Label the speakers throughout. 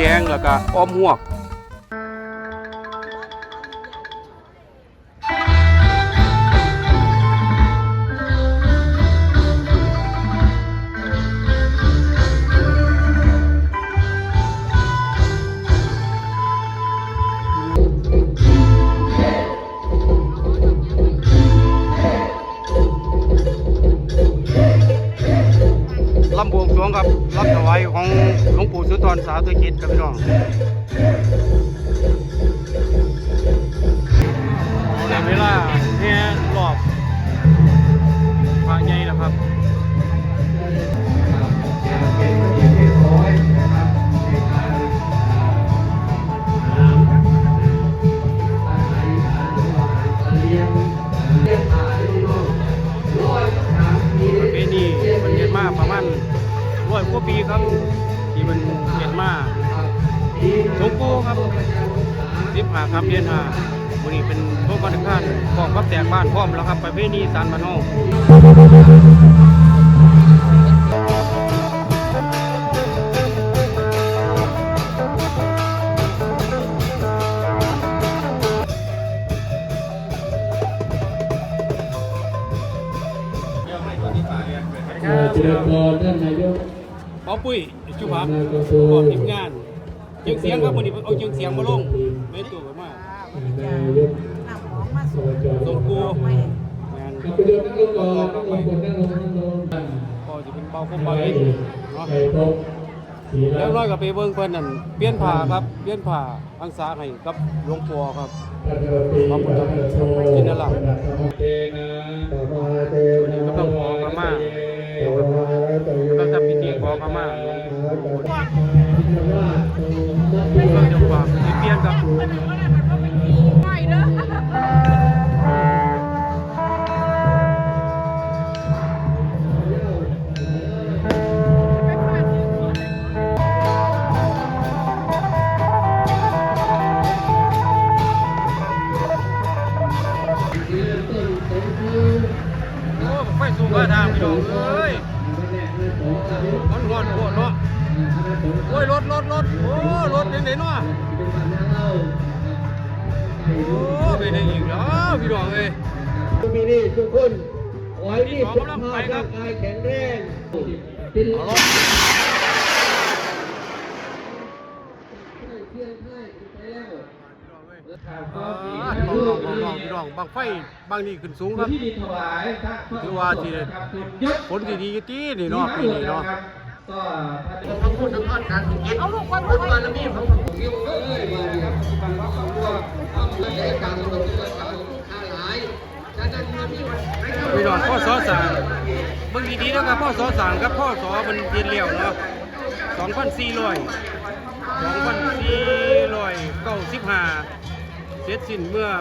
Speaker 1: ดงแล้วก็อ้อมหวกลำบวงสรวงครับลำถวายของหลวงปู่สุนทรสาธุกิจครับพี่น้องในเวลาเนี่ยรอบพระใหญ่แล้วครับประเพณีมันเกิดมาประมาณ100 กว่าปีครับที่มันเกิดมาหลวงปู่ครับ15 ค่ำเดือน 5วันนี้เป็นโต๊ะวันข้านของพับแตกบ้านพร้อมแล้วครับประเพณีสารบ้านเฮา
Speaker 2: เจริญพรท่านนายก
Speaker 1: ป้าปุ้ยจุภาพก่อนทีมงานเจียงเสียงครับวันนี้เอาเจียงเสียงมาลงไม่ตัวกันมาก
Speaker 2: นายก
Speaker 1: ส่งกูงาน
Speaker 2: ไปเดินนั่งลงก่อนนั่งลง
Speaker 1: พอจะเป็นเบาคุ้มเบาเองเนาะ
Speaker 2: ไปพบ
Speaker 1: แล้วน้อยกับไปเบิ่งเพิ่นนั่นเปลี่ยนผ้าครับเปลี่ยนผ้าอังสาให้กับหลวงปู่ครับขอบคุณครับกินนั่นล่ะวันนี้ก็ต้องขอขมาก็ทำพิธีขอขมาหลวงปู่ก็จะฝากเปลี่ยนครับไฟสูงกว่าทางพี่น้องเอ้ยมันงอนโคตรเนาะโอ้ยรถโอ้รถไหนเนาะโอ้ไปได้อีกแล้วพี่น้องเอ้ย
Speaker 2: มีนี่ทุกคนขอให้รีบสุขภาพร่างกายแข็งแรง
Speaker 1: เอาล่ะพี่น้องบางไฟบางนี่ขึ้นสูงครับถือว่าที่ผลดีจีนี่เนาะปีนี้เนาะก็ทั้งพูดทั้งทอดการกินเอาลูกคนบารมีของผมเกี่ยวเลยพี่น้องพ่อสอสั่งบางดีๆนะครับพ่อสอสั่งกับพ่อสอมันเรียนเร็วเนาะ2,495เสร็จสิ้นเมื่อ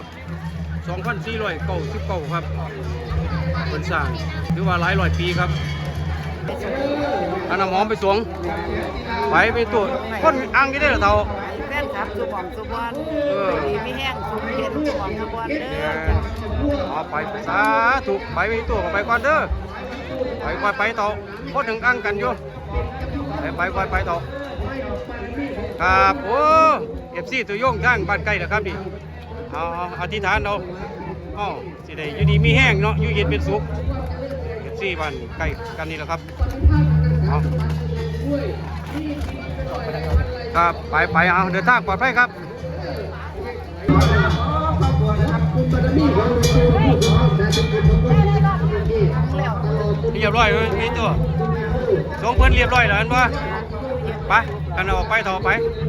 Speaker 1: 2,499ครับเป็นสร้างถือว่าหลายร้อยปีครับอันน้ำหอมไปสวงไปตัวคนอ่างกี่ได้หรอเท่า
Speaker 3: แฟนครับสุบอมสุบอนดีไม่แห้งสุบเย็นสุบอมสุบอนเด้อ
Speaker 1: เอาไปสาธุไปตัวไปก่อนเด้อไปต่อพอถึงอ่างกันอยู่ไปต่อครับโอ้FC ตัวโยงทางบ้านใกล้แล้วครับนี่เอาอธิษฐานเราสิได้อยู่ดีมีแห้งเนาะอยู่เย็นเป็นสุขFC บ้านใกล้กันนี่แหละครับเอาครับไปเอาเดินทางปลอดภัยครับเรียบร้อยเลยมีตัวสองเพิ่นเรียบร้อยแล้วเห็นปะไปกันออกไปต่อไป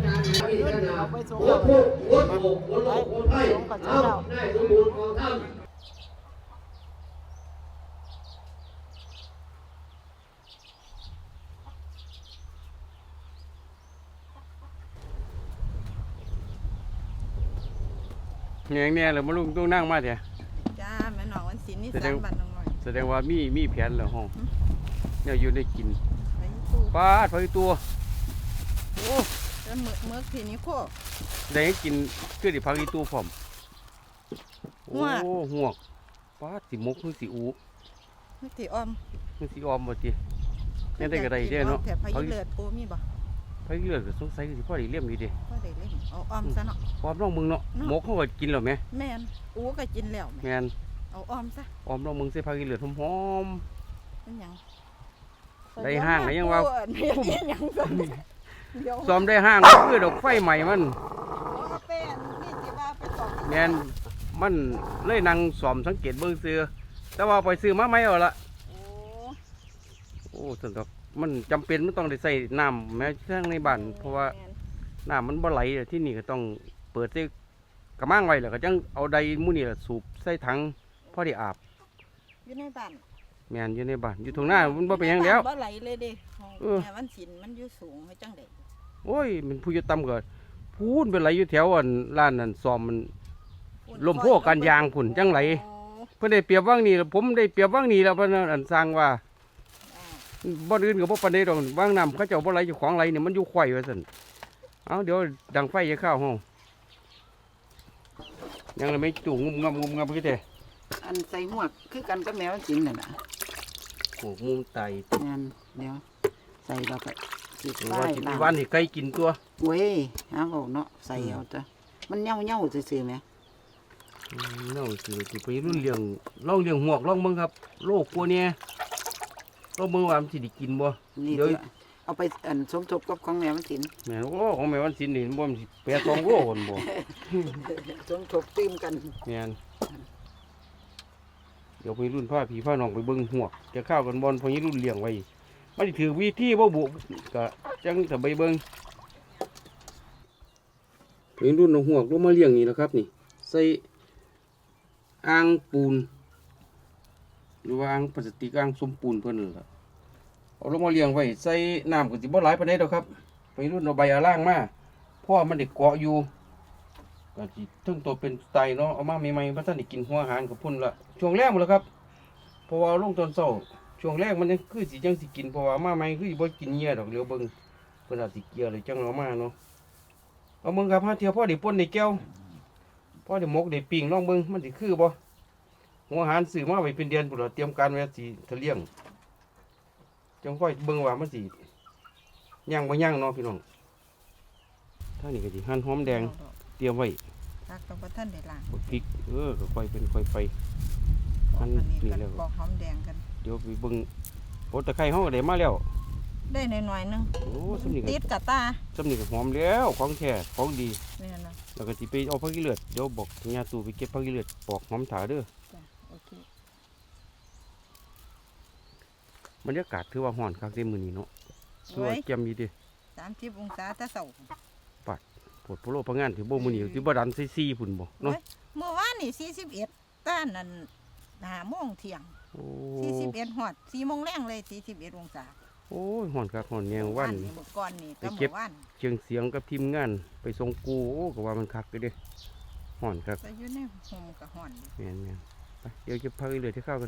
Speaker 1: เนี่ยเลยมาลุงต้องนั่งมาเถอะ
Speaker 3: จ้าแม่น้องวันศิลป์นี่3 วันน้องหน่อย
Speaker 1: แสดงว่ามีแผนเหรอห้องเนี่ยอยู่ได้กินปลาถอยตัวโอ้
Speaker 3: แล้วเมื่อทีนี้โค
Speaker 1: ได้กินคือได้พักอีตัวผมโอ้หัวปลาสีมกคือสีอู
Speaker 3: สีออม
Speaker 1: คือสีออมหมดทีนี่ได้กระไรได้เนาะ
Speaker 3: แถบพายุเลือดปูมีบ่
Speaker 1: ไปเลือดก็สงสัยสิพ่อได้เลี้ยมดีเด้
Speaker 3: ก็ได้เล่นเอาอ้อมซะเนาะ
Speaker 1: ออมน้องมึงเนาะหมกเขาก็กินแล้วแม่
Speaker 3: แม่นอูก็กินแล้ว
Speaker 1: แม่น
Speaker 3: เอาอ้อมซะ
Speaker 1: ออมน้องมึงใส่ผักอีเลือดหอม
Speaker 3: เป็นหยัง
Speaker 1: ได้ห้างไหนยังว่า
Speaker 3: เป็นหยังซะเดี๋ยว
Speaker 1: ๆซ้อมได้ห้างคือดอกไฟใหม่มัน
Speaker 3: เอาเป็นนี่สิว่าไปตอก
Speaker 1: แม่นมันเลยนั่งซ้อมสังเกตเบิ่งซื้อแต่ว่าไปซื้อมาใหม่เอาละ
Speaker 3: โอ้
Speaker 1: โอ้สนดอกมันจำเป็นมันต้องได้ใส่น้ำแม้ทั้งในบ้านเพราะว่าน้ำมันบ่ไหลที่นี่ก็ต้องเปิดใส่กระมังไว้แล้วก็จังเอาใดหมู่นี่ล่ะสูบใส่ถังพอได้อาบ
Speaker 3: อยู่ในบ้าน
Speaker 1: แม่นอยู่ในบ้านอยู่ตรงหน้ามันบ่เป็นหยังแล้ว
Speaker 3: บ่ไหลเลยเด้ของ
Speaker 1: เออ
Speaker 3: แม่มันสินมันอยู่สูงให้จังได๋
Speaker 1: โอ้ยมันผู้อยู่ต่ำก็พูนไปไหลอยู่แถวอันร้านนั่นซ้อมมันลมโพกันยางผุ่นจังไหล
Speaker 3: โอ้
Speaker 1: เพิ่นได้เปรียบว่างนี่แล้วผมได้เปรียบว่างนี่แล้วเพิ่นอันสร้างว่า
Speaker 3: อ่า
Speaker 1: บ่อื่นก็บ่ปานใดดอกว่างน้ำเขาเจ้าบ่ไหลอยู่ของไหลนี่มันอยู่ไขว่ว่าซั่นเอาเดี๋ยวดังไฟจะเข้าห้องยังเลยไม่จู่งุมงำคือแต่
Speaker 3: อันใส่หมวกคือกันกับแมวจริงน่ะนะ
Speaker 1: โอ้มุมไต
Speaker 3: แม่นเดี๋ยวใส่เราไปสิ
Speaker 1: ว่า
Speaker 3: ใส่
Speaker 1: สิ
Speaker 3: ล่าง
Speaker 1: วันให้ไก่กินตัว
Speaker 3: เว้ยหาเว้าเนาะใส่เอาจ้ะมันเหี่ยวๆซื่อๆแหม
Speaker 1: น้องสิไปรุ่นเลี้ยงลองเลี้ยงหวกลองเบิ่งครับโลกกลัวเนี่ยลองเบิ่งว่ามันสิได้กินบ่
Speaker 3: นี่
Speaker 1: เดี๋ยว
Speaker 3: จ้ะเอาไปอันสมทบกับของแมวมันสิน
Speaker 1: แม่นโอ้ของแม่วันศิลป์นี่บ่มันสิแปรตองโลคนบ่
Speaker 3: สมทบตื้มกัน
Speaker 1: แม่นเดี๋ยวไปรุ่นผ้าผีผ้าน้องไปเบิ่งหวกจะเข้ากันบอลพอนี้รุ่นเลี้ยงไว้มันสิถือวิธีบ่บุก็จังจะไปเบิ่งไปรุ่นเอาหวกลงมาเลี้ยงนี่นะครับนี่ใส่อ่างปูนหรือว่าอ่างพลาสติกอ่างสมปูนเพิ่นนั่นล่ะเอาลงมาเลี้ยงไว้ใส่น้ำก็สิบ่หลายปานใดดอกครับไปรุ่นเอาใบอะล่างมาเพราะว่ามันได้เกาะอยู่ก็สิถึงตัวเป็นสไตล์เนาะเอามาใหม่ๆบ่ทันได้กินหัวอาหารกับพุ่นละช่วงแรกหมดแล้วครับเพราะว่าลงตอนเช้าช่วงแรกมันยังคือสิจังสิกินเพราะว่ามาใหม่คือสิบ่กินเหยื่อดอกเดี๋ยวเบิ่งเพิ่นอาจสิเกลียเลยจังเอามาเนาะเอาเบิ่งครับหาเที่ยวพอได้ป่นได้แก้วพอได้หมกได้ปิ้งลองเบิ่งมันสิคือบ่หัวอาหารซื้อมาไว้เป็นเดือนพุ่นละเตรียมการไว้สิทะเลี้ยงจังค่อยเบิ่งว่ามันสิย่างบ่ย่างเนาะพี่น้องท่างนี้ก็สิหั่นหอมแดงเตรียมไว้
Speaker 3: ตักต้องบ่ทันได้ล้าง
Speaker 1: กดพริกก็ค่อยเป็นค่อยไป อัน
Speaker 3: นี้
Speaker 1: นี้
Speaker 3: กัน
Speaker 1: แล้ว
Speaker 3: ปอกหอมแดงกัน
Speaker 1: เดี๋ยวไปเบิ่งโอ้ตะไคร้เฮาก็ได้มาแล้ว
Speaker 3: ได้หน่อยๆนึง
Speaker 1: โอ้สำนี
Speaker 3: ติ
Speaker 1: ก็
Speaker 3: ดกะตา
Speaker 1: สำนีก็หอมแล้วของแท้ของดี
Speaker 3: นี่นะ
Speaker 1: แล้วก็สิไปเอาผักอีเลือดเดี๋ยวบอกญาตู่ไปเก็บผักอีเลือดปอกหอมถาเด้อ
Speaker 3: จ้ะโอเค
Speaker 1: บรรยากาศถือว่าร้อนคักเด้มื้อนี้เนาะถือ
Speaker 3: โอ้
Speaker 1: ว่าย แจ่มอยู่เดิ
Speaker 3: 30องศาแต่เช้า
Speaker 1: ปวดโพโลพะงานถือบ่มื้อนี้สิบ่ดันใส่4พุ่นบ่เนาะ
Speaker 3: โอ้ยเมื่อวานนี่41ต้านนั่น5โมงเที่ยง
Speaker 1: โอ้
Speaker 3: 41ฮอด4โมงแรงเลย41องศา
Speaker 1: โอ้ยร้อนคักร้อนแยงวัน
Speaker 3: นี่เมื่อก่อนนี่
Speaker 1: ไป
Speaker 3: ก็
Speaker 1: เก็บ
Speaker 3: เมื่อวาน
Speaker 1: เชียงเสียงกับทีมงานไปส่งกูโอ้ก็ว่ามันคักอยู่เด้ร้อนคัก
Speaker 3: ก็อยู่ในห่มก็ฮ้อนอยู่
Speaker 1: แม่นไปเดี๋ยวจะพาไปเลยที่ข้าวกัน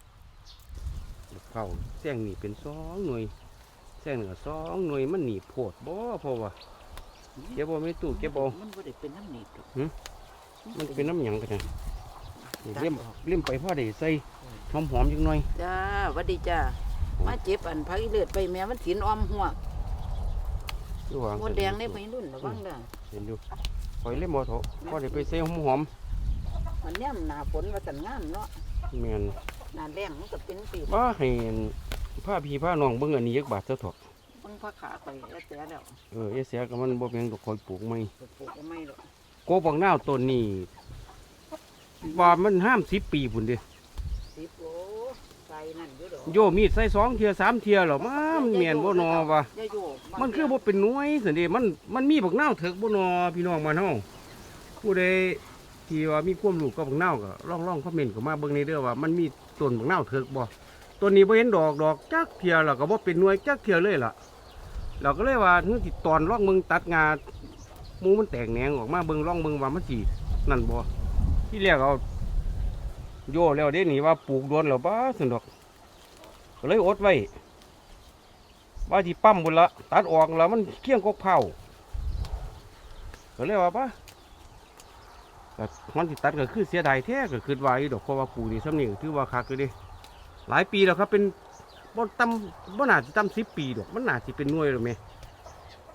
Speaker 1: ข้าวแซงนี่เป็น2 หน่วยแซงเหนือ2 หน่วยมันหนีโพดบ่เพราะว่าเก็บบ่ไม่ตู้เก็บบ่
Speaker 3: มันบ่ได้เป็นน้ำหนีบดอก
Speaker 1: มันเป็นน้ำหยังกันนะนี่เลี่ยมไปพ่อได้ใส่หอมๆจังหน่อย
Speaker 3: จ้าหวัดดีจ้ามาเจ็บอันพักอีเลือดไปแม่มันสินอ้อมหัว
Speaker 1: ดูว่า
Speaker 3: มดแดงในไปรุ่นระวังเด้อ
Speaker 1: เห็นอยู่คอยเล่มบ่เถอะพ่อได้ไปใส่หอม
Speaker 3: มันย่ำหน้าฝนว่าสันงามเนาะ
Speaker 1: ๆแม่น
Speaker 3: หน้าแรงมันก็เป็นปี
Speaker 1: ว่าให้ผ้าพี่ผ้าน้องเบิ่งอันนี้จักบาทเถอะเถอะ
Speaker 3: เพิ่งพักขาไปแล้วแต่แล้ว
Speaker 1: เอเสียก็มันบ่เป็นดอกคอยปลูกใหม่
Speaker 3: ปลูกก็ไม่หรอก
Speaker 1: โกบักนาวต้นนี้ว่ามันห้าม10 ปีพุ่นเด้
Speaker 3: 10โลใส่นั่นอยู่ดอก
Speaker 1: โยมีดใส่2 เทีย3 เทียหรอมันเมียนบ่นอวะ
Speaker 3: อย่าโยก
Speaker 1: มันคือบ่เป็นหน่วยสิเด้มันมีบักนาวเถิกบ่นอพี่น้องบ้านเฮาผู้ใดที่ว่ามีความรู้กับบักนาวก็ลองคอมเมนต์เข้ามาเบิ่งในเด้อว่ามันมีต้นบักนาวเถิกบ่ต้นนี้บ่เห็นดอกจักเทียแล้วก็บ่เป็นหน่วยจักเทียเลยล่ะเราก็เลยว่าเฮือสิตอนลองเบิ่งตัดงาหมูมันแตกแหนงออกมาเบิ่งลองเบิ่งว่ามันสินั่นบ่ที่แรกเอาโยแล้วเด้นี่ว่าปลูกโดนแล้วบ่ซั่นดอกก็เลยอดไว้ว่าที่ปั๊มบุญละตัดออกแล้วมันเคี่ยงกกเผาก็เลยว่าปะก็มันที่ตัดก็คือเสียดายแท้ก็คือว่าอยู่ดอกเพราะว่าปูนี่ซ้ำนี่ก็ถือว่าคักเลยเดิหลายปีแล้วครับเป็นบ่ต่ำบ่น่าสิต่ำ10 ปีดอกมันน่าสิเป็นหน่วยหรือไม่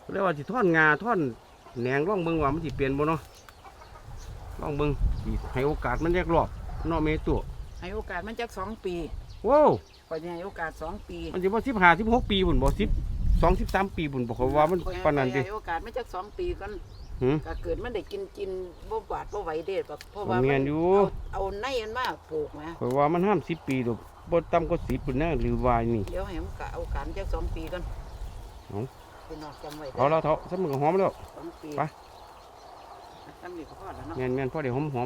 Speaker 1: เรียกว่าสิท่อนงาท่อนแหนงร่องเบิ่งว่ามันสิเปลี่ยนบ่เนาะร่องเบิ่งสิให้โอกาสมันแยกรอบเนาะแม่ตัว
Speaker 3: ให้โอกาสมันจัก2 ปี
Speaker 1: โว้ว
Speaker 3: ข่อยสิให้โอกาส2 ปี
Speaker 1: มันสิบ่15 16ปีพุ่นบ่10 2 13ปีพุ่นบ่เขาว่ามันปานนั้นติ
Speaker 3: ให้โอกาสมันจัก2 ปีก่อน
Speaker 1: หือ
Speaker 3: ก็เกิดมันได้กินบ่บาดบ่ไหวเด้แบบเพราะว่า
Speaker 1: แม่
Speaker 3: มัน
Speaker 1: อยู่
Speaker 3: เอาในมันมาปลูกนะ
Speaker 1: ข่อยว่ามันห้าม10ปีดอกบ่ต่ำกว่า10พุ่นนะหรือว่านี่
Speaker 3: เดี๋ยวให้มันก็เอาการจัก2 ปีก่อน
Speaker 1: เอา
Speaker 3: พี่น้องจำไว้
Speaker 1: เอาแล้วเถาะซะมันก็หอมแล้ว
Speaker 3: 2 ปี
Speaker 1: ไป
Speaker 3: จำนี่ก็พอแล้วเนาะ
Speaker 1: แม่นๆพอได้หอม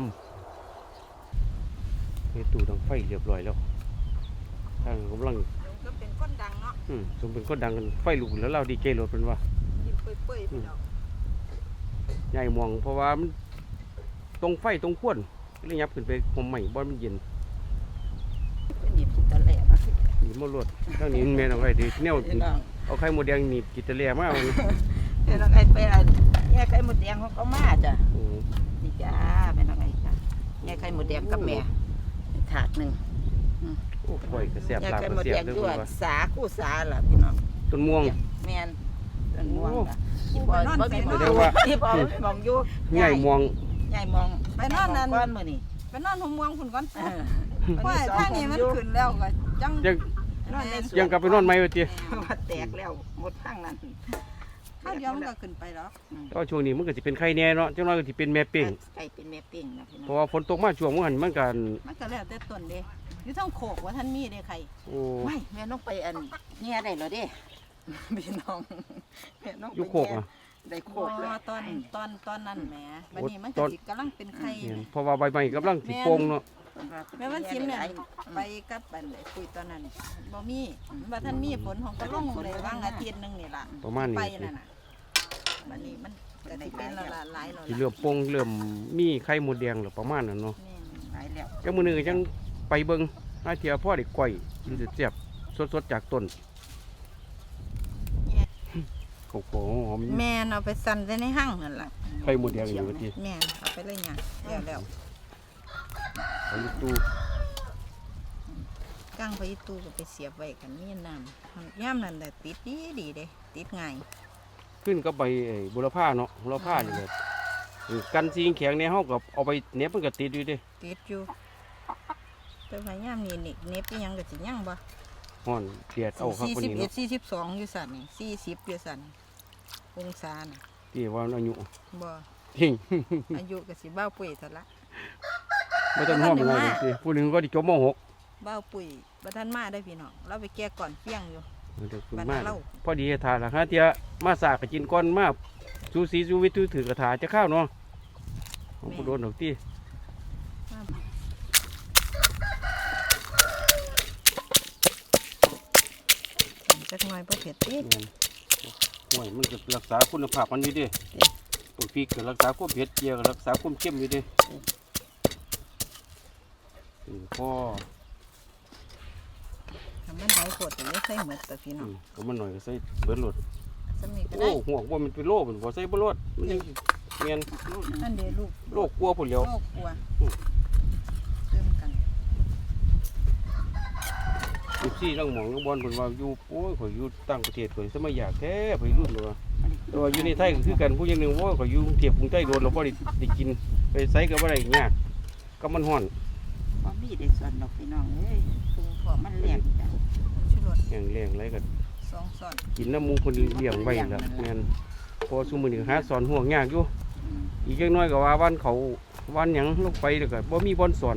Speaker 1: ๆนี่ตู้ดังไฟเรียบร้อยแล้วทางกำลัง
Speaker 3: ก็เป็นก้นดังเนาะ
Speaker 1: สมเป็นคนดังกันไฟลุกแล้วเราดีเจรถเป็นว่า
Speaker 3: กินเปื่อยๆพี่น้อง
Speaker 1: ใหญ่มองเพราะว่ามันตรงไฟตรงขวนเลยยับขึ้นไปผมใหม่บอลมันเย็น
Speaker 3: เป็นหยิบตะแหลมา
Speaker 1: หนีมารถทางนี้มันแม่นเอาไว้ดีแนว
Speaker 3: พี่น้อง
Speaker 1: เอาไข่หมดแดงหนีบกิตเลียมาเอา
Speaker 3: พี่น้องไอ้ไปอันแย่ไข่หมดแดงของเขามาจ้ะ
Speaker 1: โอ้
Speaker 3: นี่จ้าพี่น้องไอ้จ้ะแย่ไข่หมดแดงกับแม่ถาดหนึ่ง
Speaker 1: โหปล่อยกระเสียบ
Speaker 3: แย่
Speaker 1: หลัก
Speaker 3: ไข่
Speaker 1: ก
Speaker 3: หม
Speaker 1: ระ
Speaker 3: ด
Speaker 1: เสีย
Speaker 3: แด
Speaker 1: บ
Speaker 3: ง
Speaker 1: เลย
Speaker 3: ด้
Speaker 1: คุ
Speaker 3: วย
Speaker 1: ณว่า
Speaker 3: สาคู่สาล่ะพี่น้อง
Speaker 1: ต้นม่วง
Speaker 3: แม่นต้นม่วงล่ะที่บอลบ่มี
Speaker 1: เรียกว่า
Speaker 3: ที่บอลมองอยู่
Speaker 1: ใหญ่ม่วง
Speaker 3: ใหญ่มองไปนอนนั่นก้อนมื้อนี้
Speaker 4: ไปนอนหัวเมืองคุณก่อน
Speaker 3: เออ
Speaker 4: เพราะว่าทางนี้มันขึ้นแล้วก็จัง
Speaker 1: ยัง
Speaker 3: นอนในสวน
Speaker 1: ยังกลับไปนอนไหมวะเตี้ย
Speaker 3: ว่าแตกแล้วหมดทางนั้น
Speaker 4: ข้าวเดียวมันก็ขึ้นไปแล้ว
Speaker 1: แต่ว่าช่วงนี้มันก็จะเป็นไข่แน่เนาะจังน้อยก็จะเป็นแม่เป้ง
Speaker 3: ไก่เป็นแม่เป้งนะพี่น้
Speaker 1: เพ
Speaker 3: อง
Speaker 1: ราะว่าฝนตกมาช่วงมันมันกัน
Speaker 4: มันก็แล้วแต่ต้นเด้อยู่ทั้งโขกว่าท่านมีเด้ใคร
Speaker 1: โอ้
Speaker 3: ไม่แม่น้องไปอันแง่ได้เหรอเด้ พี่น้องแม่น้องไป
Speaker 1: ยุโคกอ่ะ
Speaker 3: ได้โค
Speaker 4: โอ้
Speaker 3: กเลย
Speaker 4: ตอนนั้นแหมวันนี้มัน
Speaker 1: ต
Speaker 4: ก็
Speaker 1: อน
Speaker 4: สิกำลังเป็นไข่
Speaker 1: เนี่ยเพราะว่าใบไม้กำลังสิโป่งเนาะ
Speaker 4: แม่วันซิมเนี่ยไปกับปันเลยคุยตอนนั้นบ่มีว่าท่านมีฝนของก็ลงเลยวางอาทิตย์นึงนี่ล่ะ
Speaker 1: ประมาณนี้
Speaker 4: ไปนั่นน่ะวันนี้มันก็สิเป็นละละหลายแล้ว
Speaker 1: สิ
Speaker 4: ล่ะ
Speaker 1: เริ่มโป่งเริ่มมีไข่หมดแดงหรือประมาณนั้นเนาะ
Speaker 4: แม่น
Speaker 3: หายแล้ว
Speaker 1: จังมื้อนึงก็จังไปเบิ่งหาเที่ยพ่อได้ก้อยกินเสียบๆสดๆจากต้นโอ้โหหอม
Speaker 4: แม่นเอาไปสั่นไว้ในห้างนั่นล่ะ
Speaker 1: ไข่หมดแดงอยู่ว่าติ
Speaker 4: แม่นเอาไปเลยหยังแล้ว
Speaker 1: เอาอยู่ตู้
Speaker 4: ก้างไปตู้ก็ไปเสียบไว้กันมีน้ำย่ามนั่นแต่ติดดีเด้ติดง่าย
Speaker 1: ขึ้นก็ใบไอ้บุรพาเนาะบุรพานี่ก็กันซีงแข็งในเฮาก็เอาไปเหน็บมันก็ติดอยู่เด้
Speaker 4: ติดอยู่แต่ว่าย่ามนี่นี่เน็บไปยังก็สิยังบ่
Speaker 1: ฮ้อนเดียดเอาครับคนนี้เนาะ
Speaker 4: 41 42อยู่สั่นนี่40อยู่สั่นองศาน่ะ
Speaker 1: ที่ว่าอายุ
Speaker 4: บ่
Speaker 1: เฮ้ง
Speaker 4: อายุก็สิบ้าวปุ๋ยซะละ
Speaker 1: บ่ต้องฮ้อมอะไรสิผู้หนึงก็สิจบม .6
Speaker 4: บ้าวปุ๋ยบ่ทันมาได้อพี่น้องเราไปแก้ก่อนเฟี้ยงอยู่
Speaker 1: เดี๋ยวคุณ
Speaker 4: บ้าน
Speaker 1: มา
Speaker 4: เรา
Speaker 1: พอดีทานละฮะเตียมาสากกกินก้อนมาสูสีสูวิตถือกระถาจะข้าวเนาะของผู้โดนดอกที่
Speaker 4: จักหน่อยบ่เผ็ดติ
Speaker 1: แม่นห่วยมันก็รักษาคุณภาพมันอยู่เดิตัวพริกก็รักษาความเผ็ดเจียก็รักษาความเข้มอยู่เดิพ่อ
Speaker 4: ทำมันหลายโพดก็เลยใส่หมดแต่พี่น้อง
Speaker 1: ก็มันหน่อยก็ใส่เบิดโหลด
Speaker 4: สำนี้ก็
Speaker 1: โอ้
Speaker 4: ได้
Speaker 1: หัวว่ามันเป็นโรคมันบ่ใส่บ่โลดมันยังเมียน
Speaker 4: นั่นเด้ลูก
Speaker 1: โรคกลัวพุ่นแล้ว
Speaker 4: โลกกลัวเติมกัน
Speaker 1: 14ลังหมองลังบอลเพิ่นว่าอยู่โอ้ยข่อยอยู่ต่างประเทศข่อยสมัยอยากแท้ไปรุ่นเลยว่าแต่ว่าอยู่ในไทยก็คือกันผู้อย่างหนึงว่าข่อยอยู่กรุงเทพกรุงใต้โดนเราบ่ได้กินไปไสก็บ่ได้ยากก็มันฮ้อน
Speaker 3: บ่มีได้ส่วนดอกพี่น้องเอ้ยคือพอมันแหลกจ้ะ
Speaker 4: ชูรส
Speaker 1: แห้งแรงไรก็
Speaker 4: 2ช้อน
Speaker 1: กินน้ำหมูคนเลี้ยงไว้ละแม่นพอซุมื้อนี้หาสอนห่วงยากอยู่
Speaker 3: อืม
Speaker 1: อีกจักหน้อยก็ว่าวันเขาวันหยังลงไปแล้วก็บ่มีบ่อนสอน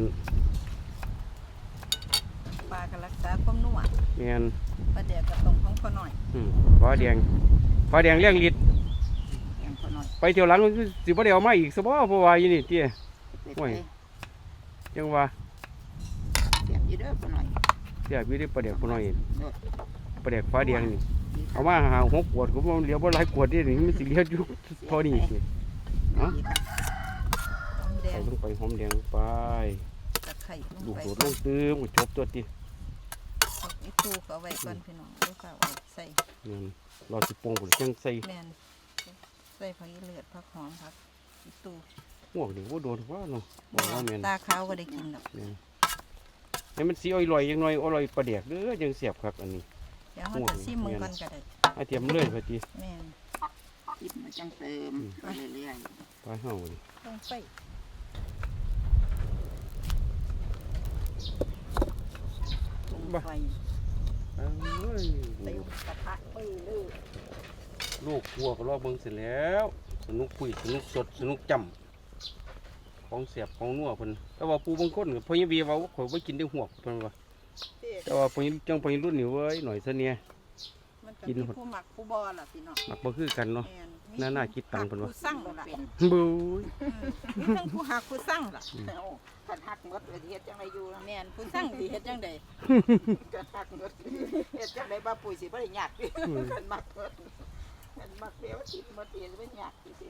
Speaker 4: ปลาก็รักษาความนัว
Speaker 1: แม่น
Speaker 4: ปลาแดกก็ต้องของพอหน่อย
Speaker 1: ฟ้าแดงเลี้ยงลิด
Speaker 3: แกงพอหน่อย
Speaker 1: ไปเที่ยวหลังมันคือสิบ่ได้เอามาอีกซะบ่เพราะว่าอยู่นี่เตี้ย
Speaker 3: เป็ด
Speaker 1: โอ้ย
Speaker 3: เอ้ย
Speaker 1: จังว่า
Speaker 3: เสียบอยู่เด้อพอหน่อย
Speaker 1: เสียอยู่ได้ประเดี๋ยวพุ่นน้อย
Speaker 3: โน่น
Speaker 1: ประเดี๋ยวฟ้าแดงนี่เอามาหา6ขวดก็บ่เหลือบ่หลายขวดนี่มันสิเหลืออยู่เท่านี้สิ
Speaker 4: หอมแด
Speaker 1: ใส่
Speaker 4: ง
Speaker 1: ลงไปหอมแดงไป
Speaker 4: ตะไคร้ลง
Speaker 1: ลูก
Speaker 4: ไป
Speaker 1: โดดลงตื้มก็จบตัวติ
Speaker 4: อีตู้ก็เอาไว้ก่อนพี่น้องลูกก็เอาใส่
Speaker 1: แม่นเราสิปรุงพุ่นจังใส่
Speaker 4: แม่นใส่ผักอีเลือดผักหอมผักอีตู้
Speaker 1: หวกนี่บ่โดนว่าเนาะบอกว่าแม่น
Speaker 4: ตาขาวก็ได้กินดอก
Speaker 1: ให้มันสีอร่อยๆยังน้อยอร่อยประเดกเด้อยังเสียบครับอันนี้
Speaker 4: เดี๋ยวเราจะซิมมึงก่อนก็ได้
Speaker 1: อาเทียมเลยพอดี
Speaker 4: แม่น
Speaker 3: ติดมาจังเติมไปเรื่อย
Speaker 1: ปลาเห่าดิ
Speaker 4: ต้องไปลงไฟ
Speaker 1: เอ้ย
Speaker 4: เต็มกระทะปื้อเลย
Speaker 1: ลูกวัวก็รอเบิ่งเสร็จแล้ว สนุกคุยสนุกสดสนุกจำของเสียบของนัวเพิ่นแต่ว่าปูบางคนก็พอยบีว่าข่อยบ่กินได้หวกเพิ่นว่าแต่ว่าพอยจังพอยรุ่นนี่เว้ยหน่อยซะเนี่ย
Speaker 4: มันก็มีผู้หมักผู้บอล่ะพี่น้อง
Speaker 1: มักบ่คือกันเนาะ
Speaker 4: แม่
Speaker 1: น่าคิดตังค์เพิ่นว่า
Speaker 4: ผู้สั่งล่ะ
Speaker 1: บู๊ย
Speaker 4: มีทั้งผู้หักผู้สั่งล่ะ
Speaker 3: ๆขันหักหมดเลยเฮ็ดจังไรอยู่นะ
Speaker 4: แม่นผู้สั่งสิเฮ็ดจังได๋
Speaker 3: ขันหักหมดเฮ็ดจังไรบ้าปุ๋ยสิบ่ได้ยากขันมักหมดขันมักเดียวติดหมดเดียวบ่ยากสิ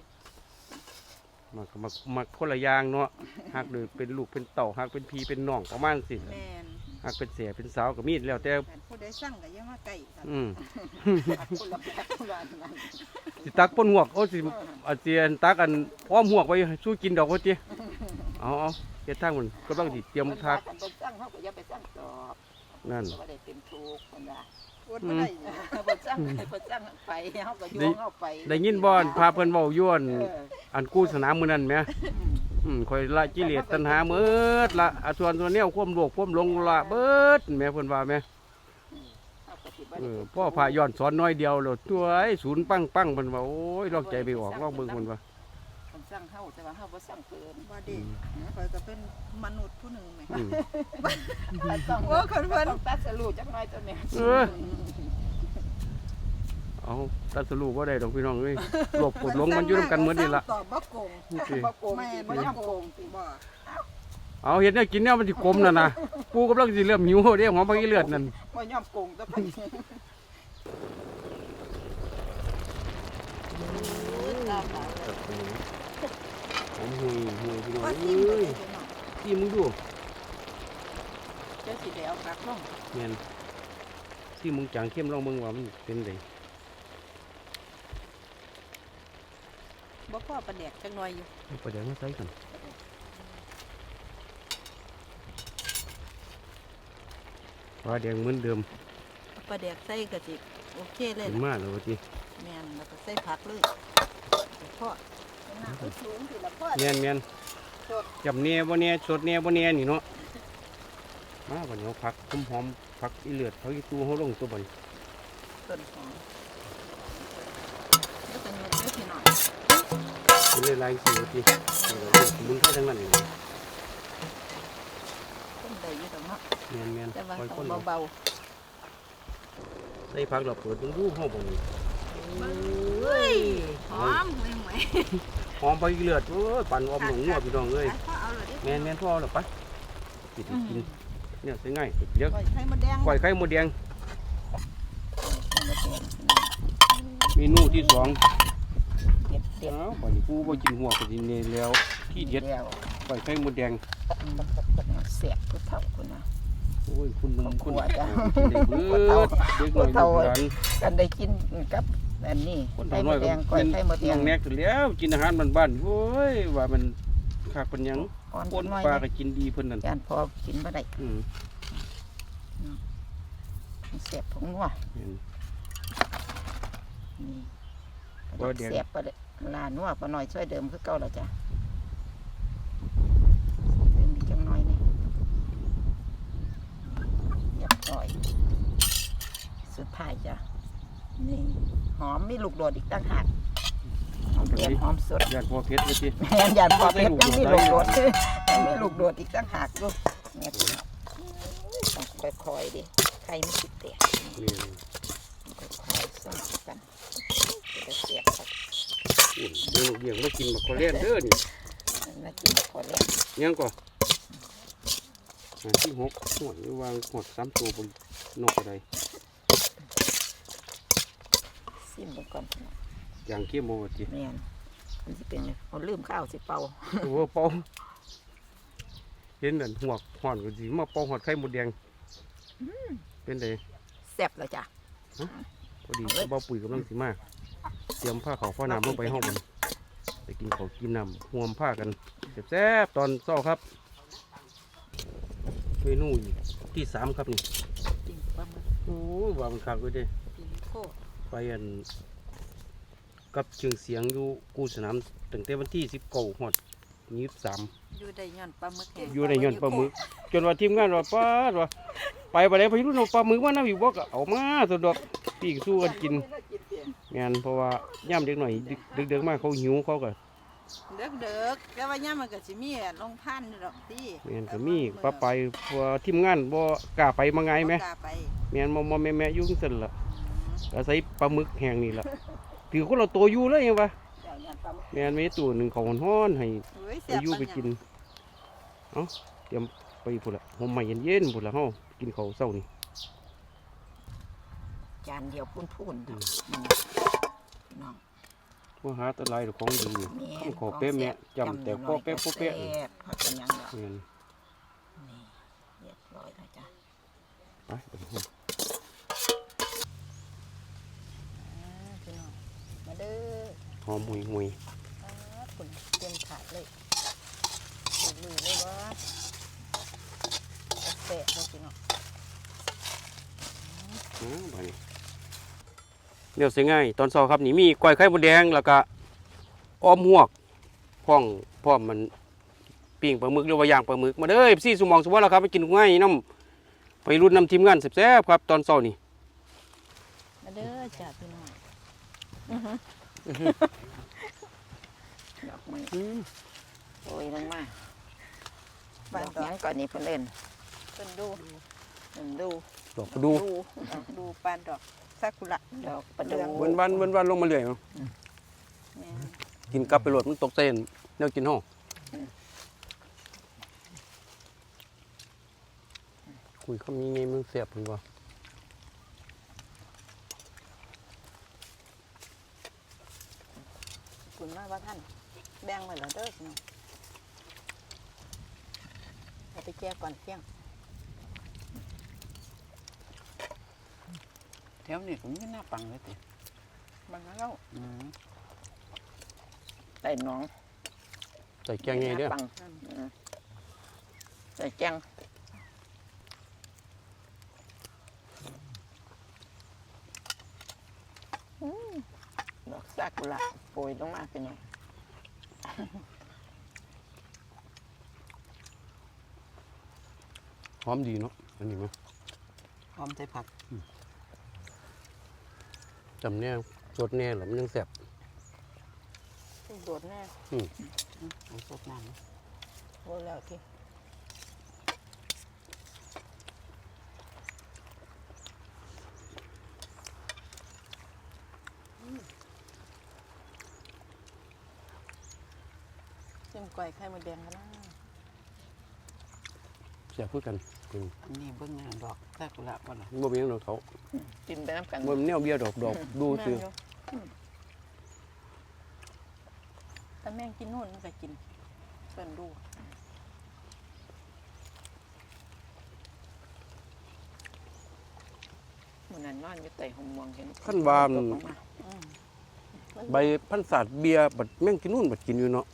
Speaker 1: มักคนละอย่างเนาะหักโดยเป็นลูกเป็นเต่าหักเป็นพี่เป็นน้องประมาณสิ
Speaker 4: แม่น
Speaker 1: หักเป็นเสียเป็นสาวก็มีแล้วแต่
Speaker 4: ผู้ใดสั่งก็อย่ามาใกล้กัน
Speaker 3: คนละแบบคนละนั้น
Speaker 1: สิตักป้นหวกโอ้สิอาเจียนตักอันพร้อมหวกไว้สู้กินดอกว่าจิเอาเฮ็ดทางมันก็ต้องสิเตรียมทัก
Speaker 3: กันเป็นสั่งเฮาก็อย่าไปสั่งตอบ
Speaker 1: นั่น
Speaker 3: บ่ได้เป็นทุกข์คนละ
Speaker 4: อดบ่ได้
Speaker 3: บ่สั่งบ่สั่งไปเฮาก็โยงเฮาไป
Speaker 1: ได้ยินบ่อนพาเพิ่นเว้าย้วนอันกู้สนามมื้อนั้นแหมค่อยละกิเลสตัณหาเมิดละส่วนตัวแนวความโลภความหลงละเบิดแม่เพิ่นว่าแม่พ่อพาย้อนสอนน้อยเดียวแล้วตัวไอ้ศูนย์ปังเพิ่นว่าโอ้ยลอกใจไปออกลอกเบิ่งเพิ่นว่า
Speaker 3: มันสั่งเฮาแต่ว่าเฮาบ่สั่งเพิ่น
Speaker 4: ว่าดิข่อยก็เป็นมนุษย์ผู้หนึ่งแหม
Speaker 3: ต้อง
Speaker 4: โอ้คนเพิ่น
Speaker 3: ต้องตัดสรุปจักหน่อยตัวนี้
Speaker 1: เอาตัดสรุปบ่ได้ดอกพี่น้องเอ้ยหลบกดหลงมันอยู่นำกันหมดนี่ล่ะ
Speaker 4: ตอบบ่โกง
Speaker 1: นี่สิ
Speaker 3: บ่โกง
Speaker 4: แม่
Speaker 3: สิ
Speaker 4: น
Speaker 3: บ่
Speaker 4: บ่
Speaker 3: ยอม
Speaker 4: โก
Speaker 3: โก
Speaker 4: ง
Speaker 3: งสิ
Speaker 4: บ่
Speaker 1: เอาเห็ดเนี่ยกินเนี่ยมันสิกลมน่ะนะปูกำลังสิเริ่มหิวเด้หอมผักอีเลือดนั่น
Speaker 3: บ่ยอมโกงตัวเพิ่น
Speaker 1: หอมหุยพี่น้อง
Speaker 4: ว่า
Speaker 1: เอ
Speaker 4: ทิ่มไป้
Speaker 1: ย
Speaker 4: เลยพี่น้อง
Speaker 1: ที่มึงดู
Speaker 3: เจ้าสิได้เอากักลง
Speaker 1: แม่นที่มึงจางเข้มลองเบิ่งว่ามันเป็นได
Speaker 4: บ่พอประแดกจังหน่อยอยู่
Speaker 1: เอาไปเดี๋ยวมาใส่กันปลาแดงเหมือนเดิม
Speaker 4: ประแดกใส่ก็สิโอเคเลย
Speaker 1: เป็น
Speaker 4: ล่ะ
Speaker 1: มาแล้วว่าติ
Speaker 4: แม่นแล้วก็ใส่ผักเลยพ่อน้ำสูงสิละพ่อ
Speaker 1: แม่นจับแหน่บ่แหน่สดแหน่บ่แหน่นี่เนาะมาบัดนี้เอาผักหอมๆผักอีเลือดผักอีตูเฮาลงตัวบัดนี้
Speaker 4: ต้นหอมแล้วก็ยกเด้อพี่น้อง
Speaker 1: เป็นลายๆสิว่าติมึงเข้าทางนั้นนี่
Speaker 4: ต้นใดอยู่ดอกเนาะ
Speaker 1: แม่น
Speaker 4: แต่ว่า
Speaker 1: ๆค่อย
Speaker 4: ต้
Speaker 1: คน
Speaker 4: อง
Speaker 1: เอา
Speaker 4: เบา
Speaker 1: ใส่ผักเราเปิดเบิ่งดูเฮาบ่นี่
Speaker 4: ๆเฮ้ยหอมห่วย
Speaker 1: หอมไปเลือดโอ้ยปั่นออมหนองงัวพี่น้องเอ้ย
Speaker 4: ๆพ่อเอาเลยดิ
Speaker 1: แม่นพ่อหรอปะกินเนี่ยใช่ง่ายเดี๋ยว
Speaker 4: ปล่อยไข่มดแดง
Speaker 1: ปล่อยไข่มดแดงเมนูที่สอง
Speaker 3: เด็ด
Speaker 1: อ้าวบัดนี้กูบ่กินหัวก็สิเนแล้วที่เด็ด
Speaker 3: แล้ว
Speaker 1: ปล่อยไข่มดแดง
Speaker 3: เสียบผู้เฒ่าคุณนะ
Speaker 1: โอ้ยคุณลุงคุณ
Speaker 3: หัวจ้ะ
Speaker 1: เด็กเบิดเด็กหน่อยลูกหลาน
Speaker 3: กันได้กินกับอันนี้
Speaker 1: คน
Speaker 3: ไข่
Speaker 1: น้
Speaker 3: ม
Speaker 1: อย
Speaker 3: ด
Speaker 1: ก็
Speaker 3: แดงก้อยไข่มดแด
Speaker 1: น้อง งแนกแล้วกินอาหารบ้านๆโอ้ยว่ามันคักเป็นหยัง
Speaker 3: อ่อน
Speaker 1: ปน
Speaker 3: น้อย
Speaker 1: ปลาก็กินดีเพิ่นนั่น
Speaker 3: จานพอกินบ่ได้
Speaker 1: อืม
Speaker 3: เสียบผงนัว
Speaker 1: เห็น
Speaker 3: นี่
Speaker 1: บ่เดี๋ยว
Speaker 3: เสียบปลาลานัวปลาหน่อยช่วยเดิมคือเก่าแล้วจ้ะเดิมอีกจังหน่อยนี่เรียบร้อยสุดท้ายจ้ะนี่หอมมีลูกโดดอีกต่างหากหอมเปียกหอมสด
Speaker 1: ญาติพ่อเพชรว่าติ
Speaker 3: แม่นยานพอเพชรยังมีลูกโดดยังมีลูกโดดอีกต่างหากลูกเนี่ยต้องค่อยๆดิใครไม่คิดเตะ
Speaker 1: นี่
Speaker 3: ค่อยๆส่งกันจะเสียบครับ
Speaker 1: เดี๋ยวเลี้ยงมากินมาขอเล่นเด้อนี่
Speaker 3: น่ากินขอเล่น
Speaker 1: ยังก่อนที่หกหัววางหดซ้ำตัวบนนกอะไร
Speaker 3: ซิมไปก่อน
Speaker 1: อย่างเข้มโมจิ
Speaker 3: แม่นมันสิเป็นเอาลืมข้าวสิเป่า
Speaker 1: โอ้เป่าเห็นนั่นหัวห่อนก็สิมาเป่าหอดไข่มดแดงเป็นไง
Speaker 3: แซ่บแล้วจ้ะ
Speaker 1: พอดีเบาปุ๋ยกำลังสิมาเตรียมผ้าขาวผ้าน้ำลงไปห้องมันไปกินข้าวกินน้ำห่วมผ้ากันแซ่บๆตอนเช้าครับเมนูที่สามครับนี่
Speaker 4: ปิ้งปลาหมึก
Speaker 1: โอ้ว่ามันคักเลยเด้
Speaker 4: ปิ้งโคตร
Speaker 1: ไปอันกับเชิงเสียงอยู่กูสนามตั้งแต่วันที่19ฮอด23
Speaker 4: อยู่ได้ย้อนปลาหมึกแห้ง
Speaker 1: อยู่ในย้อนปลาหมึกจนว่าทีมงานว่าป้าดว่าไปบ่ได้พี่รุ่นเอาปลาหมึกมานํอีกบ่ก็เอามาสะดอกปิ้งสู้กันกินแม่นเพราะว่าย่ำเด็กหน่อยดึกๆมาเขาหิวเขาก็
Speaker 4: เด็กๆแต่ว่าย่ามมันก็สิมีลงพันธุ์ดอกติ
Speaker 1: แม่นก็มีปลาไปเพราะว่าทีมงานบ่กล้าไปมาไงแม่
Speaker 4: บ่กล้าไป
Speaker 1: แม่นบ่แม่ๆอยู่จังซั่นล่ะอาศัยปลาหมึกแห้งนี่ล่ะถือคนเราตัวอยู่เลยยังวะแม่นมีตัวหนึงเขาฮ้อนๆให้
Speaker 4: เฮ้ย
Speaker 1: ไป
Speaker 4: เสียบ
Speaker 1: อยู่ไปกินเอ้าเตรียมไปพุ่นละห่มใหม่เย็นๆพุ่นละเฮากินข้าวเช้านี่
Speaker 3: จานเดียวพูนๆดอกน้อง
Speaker 1: บ่หาแตะไลดอกของดี
Speaker 3: แม่
Speaker 1: ขอเป๊ะแม่จำแต่พ่อเป๊ะพ่อเป๊ะ
Speaker 3: แซ่บผักกันยังดอก
Speaker 1: แม่น
Speaker 3: นี่เรียบร้อยแล้วจ้ะ
Speaker 1: ไปเดี๋ยว
Speaker 4: พี่น้องมาเด้อ
Speaker 1: หอมหุย
Speaker 4: คุณเตรียมถาดเลยลุยเลยว่าแปะเลยพี่น้อง
Speaker 1: ๆบัดนี้เดี๋ยวสิง่ายตอนเช้าครับนี่มีก้อยไข่มดแดงแล้วก็อ้อมหวกพร้อมมันปิ้งปลาหมึกหรือว่าย่างปลาหมึกมาเด้อพี่สุมองสุวรรณแล้วครับไปกินง่ายน้ำไปรุ่นน้ำทีมงานแซ่บๆครับตอนเช้านี่
Speaker 4: มาเด้อจ้าพี่น้อง
Speaker 3: ดอกไม้โอ้ยลงมาดอกหยังก่อนนี่เพิ่นเล่น
Speaker 4: เป็นดู
Speaker 3: เพิ่นดู
Speaker 1: ดอกประดู
Speaker 4: ดูปานดอกซากุระ
Speaker 3: ดอกประดู
Speaker 1: วันลงมาเรื่อยเนาะ
Speaker 4: แม่
Speaker 1: กินกลับไปโหลดมันตกเส้นแนวกินห้องคุยคำนี้ไงมันเสียบหรือเปล่า
Speaker 4: คุณมากว่าท่านแบ่งไว้แล้วเด้อพี่น้องเอาไปแก้ก่อนเที่ยง
Speaker 3: แถวนี้ก็มีหน้าปังเลยติ
Speaker 4: มันแล้ว
Speaker 3: ใส่น้อง
Speaker 1: ใส่แกงไงเด้อ
Speaker 3: หน้าปังใส่แกงดอกซากุระโปรยลงมาพี่น้อง
Speaker 1: หอมดีเนาะอันนี้มั้ย
Speaker 3: หอมใส่ผัก
Speaker 1: จำแน่สดแน่หรือมันยังเสียบ
Speaker 4: โดดแน่
Speaker 3: สดน้ำ
Speaker 4: โอ้แล้วที่เส้นก๋วยไข่มดแดงกันนะ
Speaker 1: เสียบเพื่อกัน
Speaker 3: นี่เบิ่งงานดอกซากุระบ่ล่ะ
Speaker 1: บ่มีหยังดอกเขา
Speaker 3: กินไปน้ำกัน
Speaker 1: บ่มีแนวเบี้ยดอกดูซื้อ
Speaker 4: ถ้าแม่งกินโน่นมันก็กินเพิ่นดู
Speaker 3: มื้อนั้นนอนอยู่ใต้ห่มม่วงเห็น
Speaker 1: ขั้นว่า
Speaker 3: ตกลงมา
Speaker 1: ใบพันศาสตร์เบียร์บัดแม่งกินนู่นบัดกินอยู่เนาะ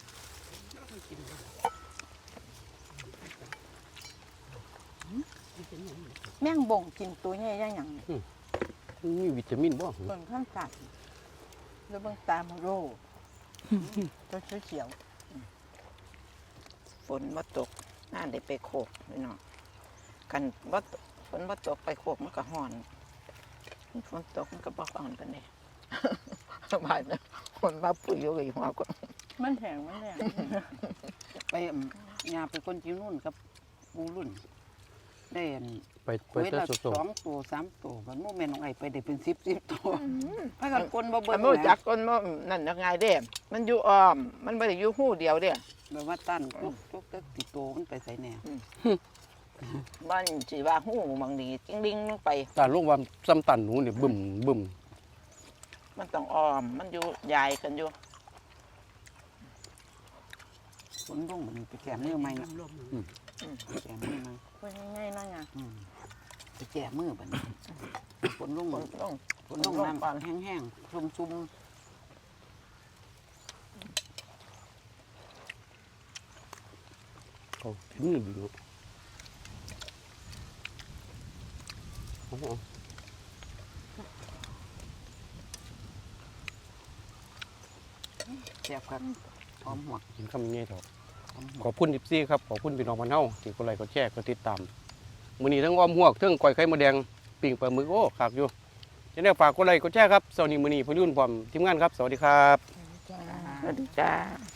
Speaker 4: แม่งบ่งกินตัวใหญ่ยังหยัง
Speaker 1: มันมีวิตามินบ่
Speaker 4: เบิ่งข้างกัดแล้วเบิ่งตาโมโรตัวเขียว
Speaker 3: ฝนบ่ตกน่าได้ไปโคกพี่น้องกันบ่ตกฝนบ่ตกไปโคกมันก็ร้อนฝนตกมันก็บ่ร้อนปานใด บาดนะคนมาปุ๋ยอยู่กับหัวก็
Speaker 4: ๆมันแห้งมันแห้ง
Speaker 5: ไปยาไปคนจิ้วนุ่นกับหมูรุ่นได้อัน
Speaker 1: ไป
Speaker 5: ไว้
Speaker 1: แต่
Speaker 5: ละ
Speaker 1: สด
Speaker 5: 2 ตัว3 ตัวมันโมแม่นของไอ้ไปได้เป็น10ตัวพากันคนบ่เบิ่
Speaker 3: มัน
Speaker 5: ง
Speaker 3: บ่จัก
Speaker 5: นะ
Speaker 3: คนบ่นั่นยังไงเด้ มันอยู่อ้อม มันบ่ได้อยู่หู้เดียวเด้
Speaker 5: แบบว่าตั้นทุกติโตมันไปใส่แนว
Speaker 3: บ้านสิว่าหู้บางนี้จิ้งดิ่งลงไป
Speaker 1: ๆตาลงว่าซ้ำตันหนูนี่บึ้ม
Speaker 3: มันต้องอ้อม มันอยู่ยายกันอยู่
Speaker 5: ฝนลงมันไปแก้มือใหม่นะแก้มือใหม่
Speaker 4: คนง่ายๆนั่นไง
Speaker 5: ไปแก้มือบัดนี้ฝนลง
Speaker 3: ฝนลง
Speaker 5: ฝนลงน้ำแห้งๆชุ่ม
Speaker 1: เขาถึงนี่ดีเนาะ
Speaker 5: แซ่บครับหอมหัว
Speaker 1: กินคำนี้เถอะ
Speaker 5: หอมหัว
Speaker 1: ขอบคุณ14ครับขอบคุณพี่น้องบ้านเฮาที่กดไลค์กดแชร์กดติดตามมื้อนี้ทั้งอ้อมหวกทั้งก้อยไข่มดแดงปิ้งปลาหมึกโอ้คักอยู่จะได้ฝากกดไลค์กดแชร์ครับเช้านี้มื้อนี้พอยุ่นพร้อมทีมงานครับสวัสดีครับ
Speaker 3: สวัสดีจ้า